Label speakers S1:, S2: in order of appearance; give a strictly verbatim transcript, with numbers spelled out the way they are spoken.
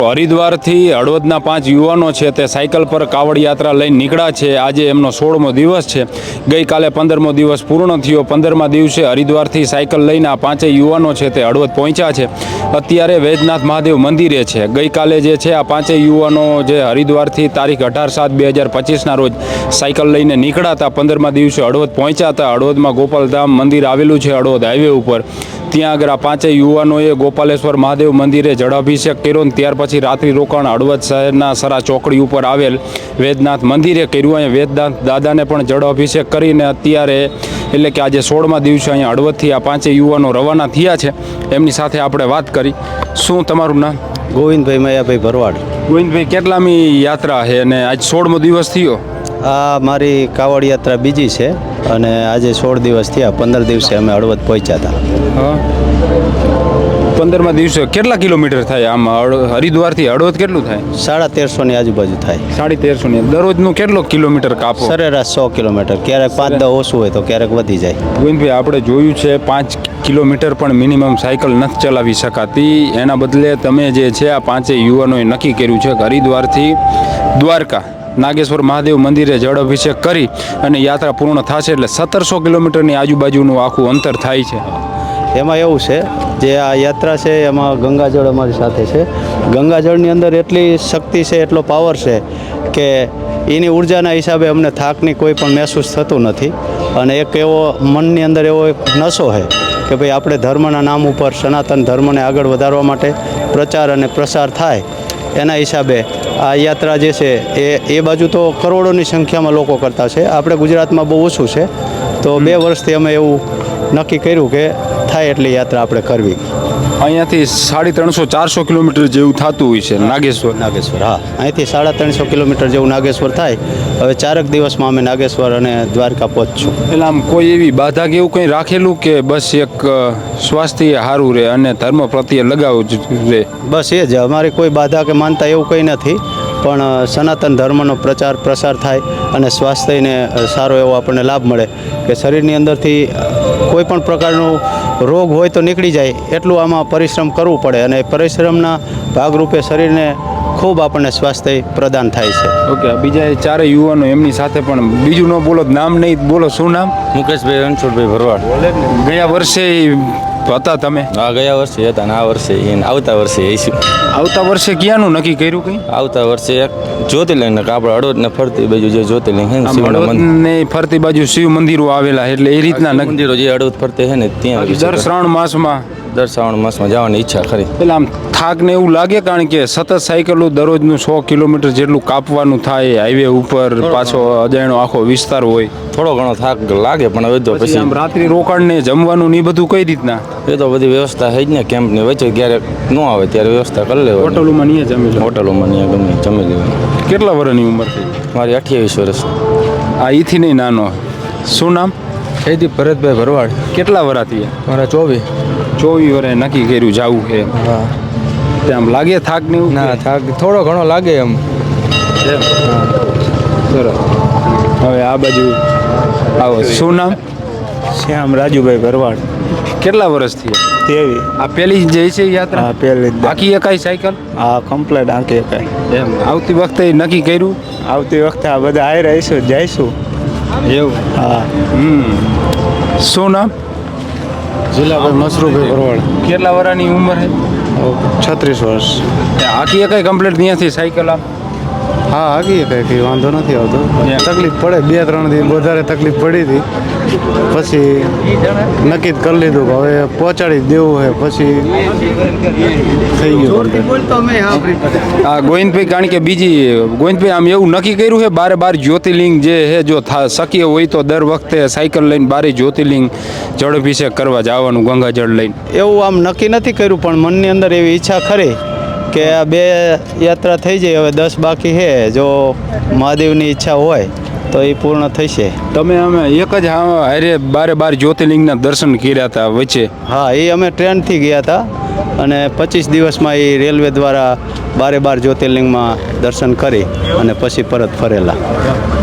S1: હરિદ્વારથી હળવદના પાંચ યુવાનો છે તે સાયકલ પર કાવડ યાત્રા લઈને નીકળ્યા છે। આજે એમનો સોળમો દિવસ છે। ગઈકાલે પંદરમો દિવસ પૂર્ણ થયો। પંદરમા દિવસે હરિદ્વારથી સાયકલ લઈને આ પાંચેય યુવાનો છે તે હળવદ પહોંચ્યા છે। અત્યારે વૈદ્યનાથ મહાદેવ મંદિરે છે। ગઈકાલે જે છે આ પાંચેય યુવાનો જે હરિદ્વારથી તારીખ અઢાર સાત બે હજાર પચીસના રોજ સાયકલ લઈને નીકળ્યા હતા। પંદરમા દિવસે હળવદ પહોંચ્યા હતા। હળવદમાં ગોપાલધામ મંદિર આવેલું છે હળવદ હાઈવે ઉપર। ત્યાં આગળ આ પાંચેય યુવાનોએ ગોપાલેશ્વર મહાદેવ મંદિરે જળાભિષેક કર્યો। ત્યાર પછી રાત્રિ રોકાણ હળવદ શહેરના સરા ચોકડી ઉપર આવેલ વૈદ્યનાથ મંદિરે કર્યું। અહીંયા વૈદ્યનાથ દાદાને પણ જળાભિષેક કરીને અત્યારે એટલે કે આજે સોળમા દિવસે અહીંયા હળવદથી આ પાંચેય યુવાનો રવાના થયા છે। એમની સાથે આપણે વાત કરી। શું તમારું નામ?
S2: ગોવિંદભાઈ મયાભાઈ ભરવાડ।
S1: ગોવિંદભાઈ, કેટલામી યાત્રા છે અને આજ સોળમો દિવસ થયો?
S2: આ મારી કાવડ યાત્રા બીજી છે અને આજે સોળ દિવસ થયા। પંદર દિવસે અમે હળવદ પહોંચ્યા હતા।
S1: હા, પંદરમા દિવસે કેટલા કિલોમીટર થાય? આમ હરિદ્વારથી હળવદ કેટલું થાય?
S2: સાડા તેરસો ની આજુબાજુ થાય।
S1: સાડી તેરસો ની દરરોજનું કેટલો કિલોમીટર કાપો?
S2: સરેરાશ સો કિલોમીટર, ક્યારેક પાંચ દસ ઓછું હોય તો ક્યારેક વધી જાય।
S1: ગોવિંદભાઈ, આપણે જોયું છે પાંચ કિલોમીટર પણ મિનિમમ સાયકલ નથી ચલાવી શકાતી। એના બદલે તમે જે છે આ પાંચેય યુવાનોએ નક્કી કર્યું છે કે હરિદ્વારથી દ્વારકા નાગેશ્વર મહાદેવ મંદિરે જળ અભિષેક કરી અને યાત્રા પૂર્ણ થશે એટલે સત્તરસો કિલોમીટરની આજુબાજુનું આખું અંતર થાય છે।
S2: એમાં એવું છે, જે આ યાત્રા છે એમાં ગંગાજળ અમારી સાથે છે। ગંગાજળની અંદર એટલી શક્તિ છે, એટલો પાવર છે કે એની ઉર્જાના હિસાબે અમને થાકની કોઈ પણ મહેસૂસ થતું નથી। અને એક એવો મનની અંદર એવો એક નશો છે કે ભાઈ આપણે ધર્મના નામ ઉપર સનાતન ધર્મને આગળ વધારવા માટે પ્રચાર અને પ્રસાર થાય એના હિસાબે આ યાત્રા જે છે એ એ બાજુ તો કરોડોની સંખ્યામાં લોકો કરતા છે। આપણે ગુજરાતમાં બહુ ઓછું છે, તો બે વર્ષથી અમે એવું નક્કી કર્યું કે થાય એટલી યાત્રા આપણે કરવી।
S1: અહીંયાથી સાડી ત્રણસો ચારસો કિલોમીટર જેવું થતું હોય છે નાગેશ્વર?
S2: નાગેશ્વર, હા, અહીંથી સાડા ત્રણસો કિલોમીટર જેવું નાગેશ્વર થાય। હવે ચારક દિવસમાં અમે નાગેશ્વર અને દ્વારકા પહોંચશું।
S1: એટલે આમ કોઈ એવી બાધા કે એવું કંઈ રાખેલું કે બસ એક સ્વાસ્થ્ય સારું રહે અને ધર્મ પ્રત્યે લગાવ જ રહે?
S2: બસ એ જ, અમારી કોઈ બાધા કે માનતા એવું કંઈ નથી, પણ સનાતન ધર્મનો પ્રચાર પ્રસાર થાય અને સ્વાસ્થ્યને સારો એવો આપણને લાભ મળે કે શરીરની અંદરથી કોઈ પણ પ્રકારનો રોગ હોય તો નીકળી જાય એટલું આમાં પરિશ્રમ કરવું પડે અને પરિશ્રમના ભાગરૂપે શરીરને ખૂબ આપણને સ્વાસ્થ્ય પ્રદાન થાય છે।
S1: ઓકે, બીજા એ ચારે યુવાનો એમની સાથે પણ બીજું ન બોલો, નામ નહીં બોલો, શું નામ?
S3: મુકેશભાઈ રણછોડભાઈ ભરવાડ।
S1: ગયા વર્ષે હતા તમે?
S3: હા, ગયા વર્ષે હતા ને આ વર્ષે આવતા વર્ષે આવીશું।
S1: આવતા વર્ષે ક્યાંનું નક્કી કર્યું? કંઈ
S3: આવતા વર્ષે એક જ્યોતિર્લિંગ ને આપણે હળવદ ને ફરતી બાજુ જે જ્યોતિર્લિંગ છે ને શિવના મંદિર
S1: ને ફરતી બાજુ શિવ મંદિરો આવેલા એટલે એ રીતના
S3: મંદિરો જે હળવદ ફરતે છે ને ત્યાં
S1: દર શ્રાવણ માસમાં
S3: દર શ્રાવણ માસમાં જવાની ઈચ્છા ખરી।
S1: એટલે આમ થાક ને એવું લાગે? કારણ કે સતત સાયકલો દરરોજનું સો કિલોમીટર જેટલું કાપવાનું થાય, હાઈવે ઉપર પાછો અજાણ્યો આખો વિસ્તાર હોય,
S3: થોડો ઘણો થાક લાગે, પણ હવે તો પછી
S1: આમ રાત્રિ રોકાણ ને જમવાનું ને બધું કઈ રીતના?
S3: એ તો બધી વ્યવસ્થા છે જ ને, કેમ્પની વચ્ચે ક્યારેક ન આવે ત્યારે વ્યવસ્થા કરી લેવાની।
S1: હોટલોમાં નહીં જમી લો?
S3: હોટલોમાં નહીં ગમે જમી લેવાની।
S1: કેટલા વર્ષની ઉંમર થઈ?
S3: મારી અઠ્યાવીસ વર્ષ।
S1: આ ઈથી નહીં નાનો। શું નામ?
S4: જયદીપ ભરતભાઈ ભરવાડ।
S1: કેટલા વર્ષ થયા?
S4: મારા ચોવીસ
S1: ચોવીસ વર્ષે નક્કી કર્યું જવું છે?
S4: હા।
S1: આમ લાગે થાક ને એવું?
S4: ના, થાક થોડો ઘણો લાગે એમ।
S1: સરસ। હવે આ બાજુ આવો। શું નામ?
S5: શ્યામ રાજુભાઈ ભરવાડ।
S1: કેટલા વર્ષ થયા?
S5: તેવી
S1: આ પેલી જે છે યાત્રા?
S5: હા, પહેલી જ।
S1: આખી એકાઈ સાયકલ?
S5: હા, કમ્પ્લેટ આંકી એકાઈ।
S1: એમ આવતી વખતે નક્કી કર્યું?
S5: આવતી વખતે આ બધા આવી રહીશું, જઈશું।
S1: એવું?
S5: હા।
S1: હમ શું નામ?
S4: જિલ્લાભાઈ મસરૂભાઈ ભરવાડ।
S1: કેટલા વર્ષની ઉંમર છે?
S4: છત્રીસ વર્ષ।
S1: આખી એકાઈ કમ્પ્લીટ ત્યાંથી સાયકલ આમ?
S4: હા, આગી કંઈ વાંધો નથી આવતો। તકલીફ પડે, બે ત્રણ દિવસ વધારે તકલીફ પડી હતી, પછી નક્કી કરી લીધું કે હવે પહોંચાડી જ દેવું છે, પછી થઈ ગયું।
S1: આ ગોવિંદભાઈ, કારણ કે બીજી ગોવિંદભાઈ આમ એવું નક્કી કર્યું છે બારે બાર જ્યોતિર્લિંગ જે છે જો શક્ય હોય તો દર વખતે સાયકલ લઈને બારે જ્યોતિર્લિંગ જળાભિષેક કરવા જવાનું ગંગાજળ લઈને?
S2: એવું આમ નક્કી નથી કર્યું, પણ મનની અંદર એવી ઈચ્છા ખરી કે આ બે યાત્રા થઈ જાય। હવે દસ બાકી છે, જો મહાદેવની ઈચ્છા હોય તો એ પૂર્ણ થશે।
S1: તમે અમે એક જ હારે બારે બાર જ્યોતિર્લિંગના દર્શન કર્યા હતા વચ્ચે?
S2: હા, એ અમે ટ્રેનથી ગયા હતા અને પચીસ દિવસમાં એ રેલવે દ્વારા બારે બાર જ્યોતિર્લિંગમાં દર્શન કરી અને પછી પરત ફરેલા।